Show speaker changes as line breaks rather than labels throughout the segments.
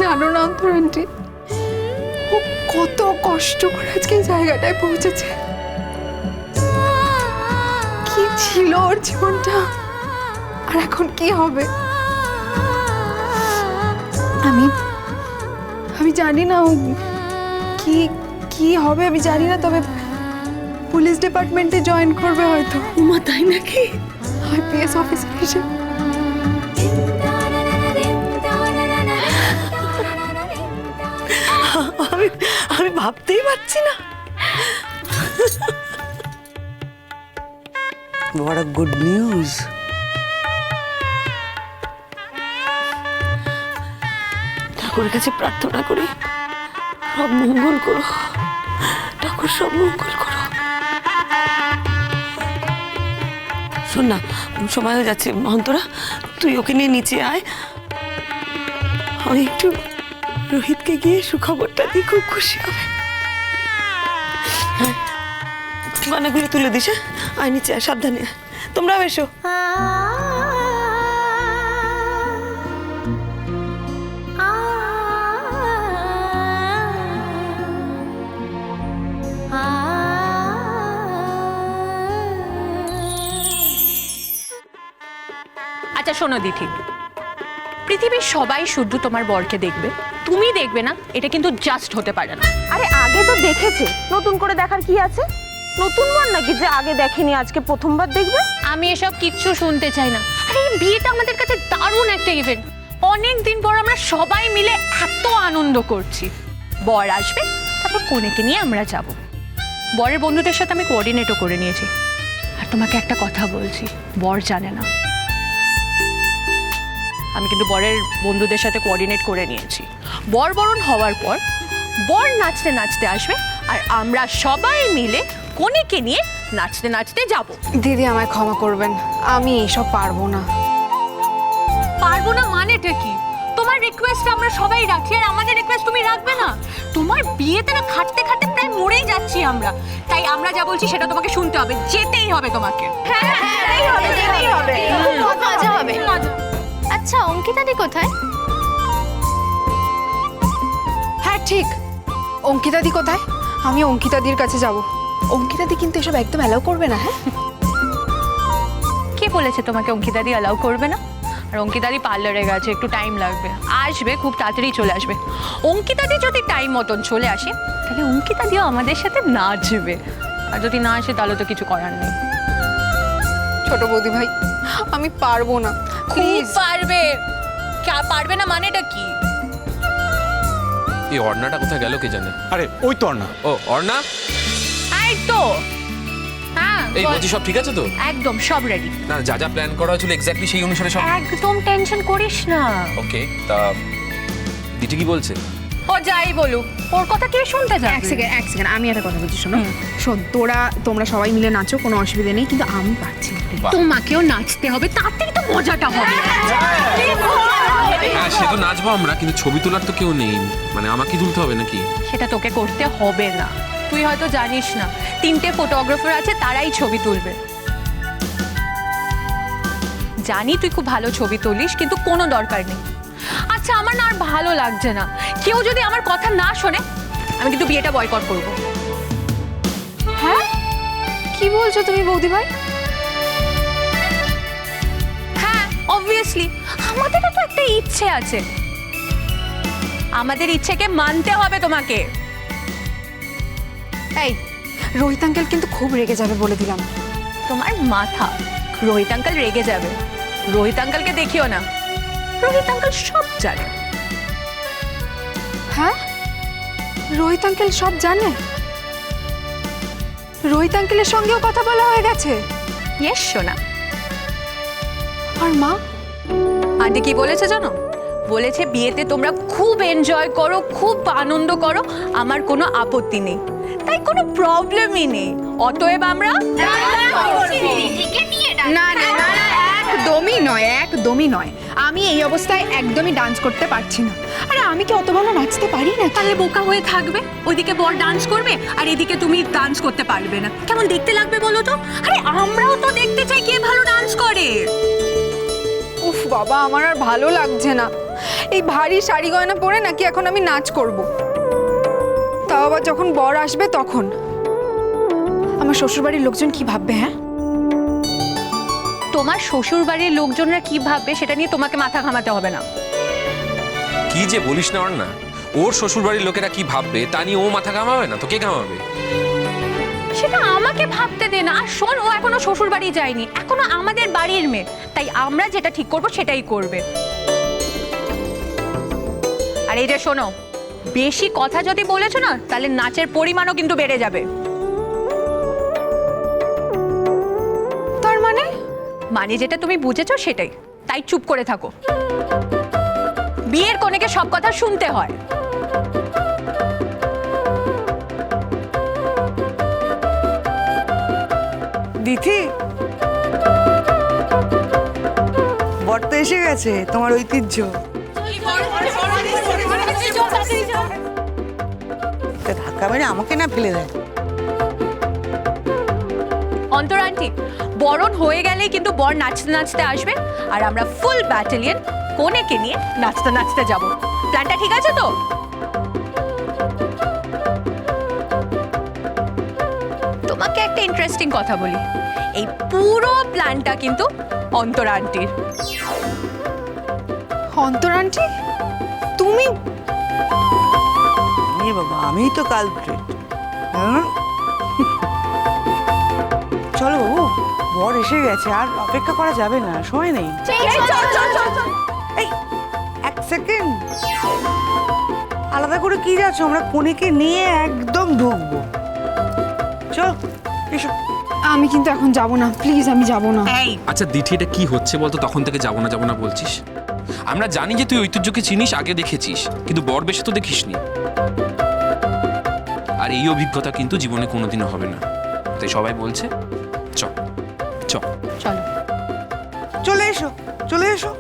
জানো না অন্তর আন্টি, ও কত কষ্ট করে আজকে এই জায়গাটায় পৌঁছেছে। কি ছিল ওর জীবনটা, আর এখন কি হবে। আমি জানি না ও কি কি হবে, আমি জানি না, তবে পুলিশ ডিপার্টমেন্টে জয়েন করবে হয়তো।
উমা, তাই নাকি?
আইপিএস অফিসার হিসেবে।
আমি ভাবতেই পারছি না। What a good news. ঠাকুরের কাছে প্রার্থনা করি, সব মঙ্গল করো ঠাকুর, সব মঙ্গল করো। শোন না, সময় হয়ে যাচ্ছে, মহন্তরা তুই ওকে নিয়ে নিচে আয়। আমি একটু রোহিতকে গিয়ে সুখবরটা দিই, খুব খুশি হবে। গয়নাগুলো তুলে দিস। আয় নিচে আয়, সাবধানে। তোমরাও এসো।
আচ্ছা শোনো দিঠি, পৃথিবীর সবাই শুধু তোমার বরকে দেখবে, তুমি দেখবে না, এটা কিন্তু জাস্ট হতে পারে না।
আরে আগে তো দেখেছে, নতুন করে দেখার কি আছে? নতুন বর নাকি যে আগে দেখেনি আজকে প্রথমবার দেখবে?
আমি এসব কিচ্ছু শুনতে চাই না। আরে এই বিয়েটা আমাদের কাছে দারুণ একটা ইভেন্ট, অনেক দিন পর আমরা সবাই মিলে এত আনন্দ করছি। বর আসবে, তারপর কনেকে নিয়ে আমরা যাব। বরের বন্ধুদের সাথে আমি কোঅর্ডিনেটও করে নিয়েছি। আর তোমাকে একটা কথা বলছি, বর জানে না, আমি কিন্তু বরের বন্ধুদের সাথে কোঅর্ডিনেট করে নিয়েছি। বর বরণ হওয়ার পর বর নাচতে নাচতে আসবে, আর আমরা সবাই মিলে কনেকে নিয়ে নাচতে নাচতে যাব।
দিদি আমায় ক্ষমা করবেন, আমি এসব পারবো না।
পারবো না মানেটা কি? তোমার রিকোয়েস্ট আমরা সবাই রাখি, আর আমাদের রিকোয়েস্ট তুমি রাখবে না? তোমার বিয়েতে না খাটতে খাটতে প্রায় মরেই যাচ্ছি আমরা, তাই আমরা যা বলছি সেটা তোমাকে শুনতে হবে, যেতেই হবে তোমাকে।
খুব মজা হবে।
আচ্ছা অঙ্কিতাদি কোথায়?
হ্যাঁ ঠিক, অঙ্কিতাদি কোথায়? আমি অঙ্কিতাদির কাছে যাব। অঙ্কিতাদি কিন্তু এসব একদম অ্যালাউ করবে না। হ্যাঁ,
কে বলেছে তোমাকে অঙ্কিতাদি অ্যালাউ করবে না? আর অঙ্কিতাদি পার্লারে গেছে, একটু টাইম লাগবে, আসবে, খুব তাড়াতাড়ি চলে আসবে। অঙ্কিতাদি যদি টাইম মতন চলে আসে, তাহলে অঙ্কিতাদিও আমাদের সাথে নাচবে, আর যদি না আসে তাহলে তো কিছু করার নেই।
ছোট বৌদি ভাই, আমি পারবো না।
খুব পারবে। পারবে না মানেটা কি?
এই অর্ণাটা কোথায় গেল কে জানে?
আরে ওই তো অর্ণা।
ও অর্ণা,
এই তো। হ্যাঁ
এই বলছি সব ঠিক আছে তো?
একদম সব রেডি।
না, যা যা প্ল্যান করা হয়েছিল এক্স্যাক্টলি সেই অনুসারে সব।
একদম টেনশন করিস না।
ওকে, তা দিদি কি বলছে?
ও যাই বলুক, ওর কথা কে শুনতে যাবে?
এক সেকেন্ড, আমি একটা কথা বলছি, শোনো। শোন, তোমরা সবাই মিলে নাচো, কোনো অসুবিধা নেই, কিন্তু আমি পারছি না।
বাহ।
তোমাকেও নাচতে হবে, তাতেই তো মজাটা হবে।
হ্যাঁ, সে তো নাচবো আমরা, কিন্তু ছবি তোলার তো কেউ নেই, মানে আমাকে তুলতে হবে নাকি?
সেটা তোকে করতে হবে না, তুই হয়তো জানিস না, 3টে ফটোগ্রাফার আছে, তারাই ছবি তুলবে। জানি তুই খুব ভালো ছবি তুলিস, কিন্তু কোনো দরকার নেই। আচ্ছা আমার না আর ভালো লাগছে না, কেউ যদি আমার কথা না শোনে, আমি কিন্তু বিয়েটা বয়কট করব।
হ্যাঁ, কি বলছো তুমি বৌদি ভাই?
হ্যাঁ অবভিয়াসলি, আমাদেরও তো একটা ইচ্ছে আছে, আমাদের ইচ্ছেকে মানতে হবে তোমাকে।
এই রোহিত আঙ্কেল কিন্তু খুব রেগে যাবে, বলে দিলাম।
তোমার মাথা, রোহিত আঙ্কেল রেগে যাবে? রোহিত আঙ্কেলকে দেখিও না, রোহিত আঙ্কেল সব জানে।
হ্যাঁ, রোহিত আঙ্কেল সব জানে? রোহিত আঙ্কেলের সঙ্গেও কথা বলা হয়ে গেছে?
ইয়েস সোনা।
আর মা?
আন্টি কি বলেছে জানো? বলেছে বিয়েতে তোমরা খুব এনজয় করো, খুব আনন্দ করো, আমার কোনো আপত্তি নেই, তাই কোনো প্রবলেমই নেই। অতএব আমরা
না না না, একদমই নয়, একদমই নয়। আমি এই অবস্থায় একদমই ডান্স করতে পারছি না। আরে আমি কি অত ভালো নাচতে পারি না?
তাহলে বোকা হয়ে থাকবে, ওইদিকে বর ডান্স করবে আর এদিকে তুমি ডান্স করতে পারবে না, কেমন দেখতে লাগবে বলো তো? আরে আমরাও তো দেখতে চাই কে ভালো ডান্স করে।
উফ বাবা, আমার আর ভালো লাগছে না। এই ভারী শাড়ি গয়না পরে নাকি এখন আমি নাচ করব। তাও আবার যখন বর আসবে তখন আমার শ্বশুরবাড়ির লোকজন কি ভাববে? হ্যাঁ,
তোমার শ্বশুর বাড়ির লোকজনরা কি ভাববে সেটা নিয়ে তোমাকে মাথা ঘামাতে হবে না।
কি যে বলিস না ওর না, ওর শ্বশুর বাড়ির লোকেরা কি ভাববে তা নিয়ে ও মাথা ঘামাবে না তো কে ঘামাবে?
সেটা আমাকে ভাবতে দে না। আর শোন, ও এখনো শ্বশুর বাড়ি যায়নি, এখনো আমাদের বাড়ির মেয়ে, তাই আমরা যেটা ঠিক করব সেটাই করবে। আর এই যে শোনো, বেশি কথা যদি বলেছো না তাহলে নাচের পরিমাণও কিন্তু বেড়ে যাবে।
তার মানে
মানে যেটা তুমি বুঝেছো সেটাই, তাই চুপ করে থাকো। বিয়ের কনেকে সব কথা শুনতে হয়।
দিদি, বর তো এসে গেছে, তোমার ঐতিহ্য। ধাক্কা মেরে আমাকে না ফেলে দেয়।
অন্তরা আন্টি, বরণ হয়ে গেলেই কিন্তু বর নাচতে নাচতে আসবে, আর আমরা ফুল ব্যাটালিয়ন কনেকে নিয়ে নাচতে নাচতে যাব। প্ল্যানটা ঠিক আছে তো? তোমাকে একটা ইন্টারেস্টিং কথা বলি, এই পুরো প্ল্যানটা কিন্তু অন্তরা আন্টির।
অন্তর আন্টি, তুমি?
বাবা, আমি তো কালপ্রিট। চলো, বর এসে গেছে, আর অপেক্ষা করা যাবে না, সময় নেই। এই, এক সেকেন্ড, আলাদা করে কি যাচ্ছ? আমরা কনেকে নিয়ে একদম ঢুকবো। চল, এসো।
আমি কিন্তু এখন যাব না, প্লিজ, আমি যাব না।
আচ্ছা দিঠি, এটা কি হচ্ছে বলতো? তখন থেকে যাবো না বলছিস। আমরা জানি যে তুই ঐতিহ্যকে চিনিস, আগে দেখেছিস, কিন্তু বর বেশে তো দেখিসনি। আর এই অভিজ্ঞতা কিন্তু জীবনে কোনোদিনও হবে না, তাই সবাই বলছে চ চ।
চলো,
চলে এসো, চলে এসো।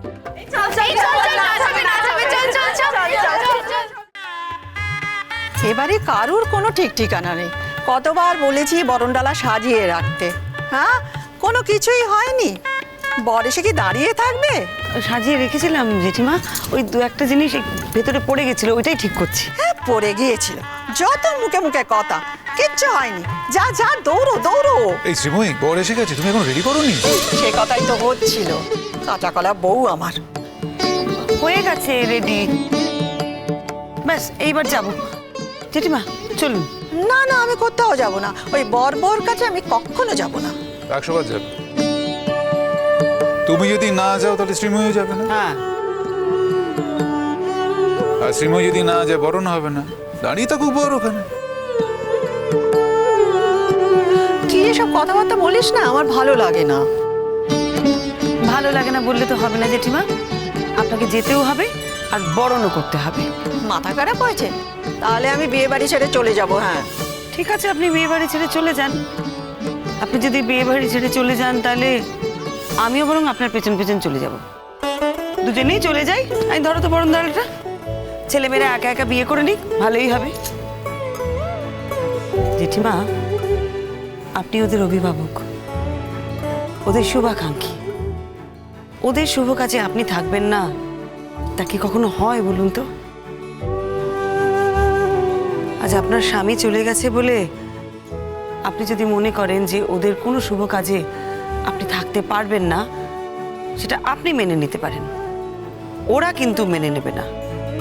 এবারে কারুর কোনো ঠিক ঠিকানা নেই। কতবার বলেছি বরণডালা সাজিয়ে রাখতে, হ্যাঁ, কোনো কিছুই হয়নি। বর এসে কি দাঁড়িয়ে থাকবে?
সাজিয়ে রেখেছিলাম জেঠিমা, ওই দু একটা জিনিস ভেতরে পড়ে গেছিল, ওইটাই ঠিক করছি।
হ্যাঁ, পড়ে গিয়েছিল, যত মুখে মুখে কথা, কিচ্ছু হয়নি। যা যা, দৌড়ো দৌড়ো।
এই শ্রীময়ী, বর এসে গেছে, তুমি এখন রেডি করোনি?
সে কথাই তো হচ্ছিল, কাঁচা কলা বউ আমার।
হয়ে গেছে রেডি, ব্যাস এইবার যাব। জেঠিমা চলুন।
না না, আমি কোথাও যাব না, ওই বর বর কাছে আমি কখনো যাব না।
100 বার যাবে। তুমি যদি না যাও তাহলে শ্রীময়ী যাবে না,
হ্যাঁ,
আর শ্রীময়ী যদি না যায় বরণ হবে না। দাঁড়িয়ে থাকুক বর ওখানে।
কি এসব কথাবার্তা বলিস না, আমার ভালো লাগে না।
ভালো লাগে না বললে তো হবে না জেঠিমা, আপনাকে যেতেও হবে আর বরণও করতে হবে।
মাথা খারাপ হয়েছে? তাহলে আমি বিয়ে বাড়ি ছেড়ে চলে যাব। হ্যাঁ,
ঠিক আছে, আপনি বিয়ে বাড়ি ছেড়ে চলে যান। আপনি যদি বিয়ে বাড়ি ছেড়ে চলে যান তাহলে আমিও বরং আপনার পেছন পেছন চলে যাব। দুজনেই চলে যাই। আমি ধরো তো বরণ দাঁড়াটা, ছেলেমেয়েরা একা একা বিয়ে করে নিক, ভালোই হবে। জেঠিমা, আপনি ওদের অভিভাবক, ওদের শুভাকাঙ্ক্ষী, ওদের শুভ কাজে আপনি থাকবেন না, তা কি কখনো হয় বলুন তো? আজ আপনার স্বামী চলে গেছে বলে আপনি যদি মনে করেন যে ওদের কোনো শুভ কাজে আপনি থাকতে পারবেন না, সেটা আপনি মেনে নিতে পারেন, ওরা কিন্তু মেনে নেবে না,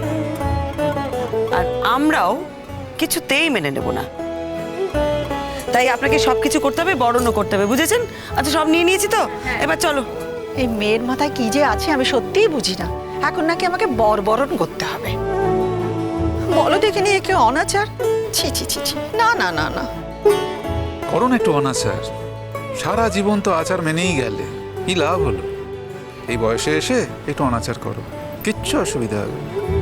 আর আমরাও কিছুতেই মেনে নেব না। তাই আপনাকে সবকিছু করতে হবে, বরণও করতে হবে, বুঝেছেন? আচ্ছা, সব নিয়ে নিয়েছি তো, এবার চলো।
এই মেয়ের মাথায় কি যে আছে আমি সত্যিই বুঝি না। এখন নাকি আমাকে বরণ করতে হবে। বলো দেখিনি, একে অনাচার। ছি ছি ছি ছি, না না না না।
করো না একটু অনাচার, সারা জীবন তো আচার মেনেই গেলে, কি লাভ হলো? এই বয়সে এসে একটু অনাচার করো, কিচ্ছু অসুবিধা হবে না।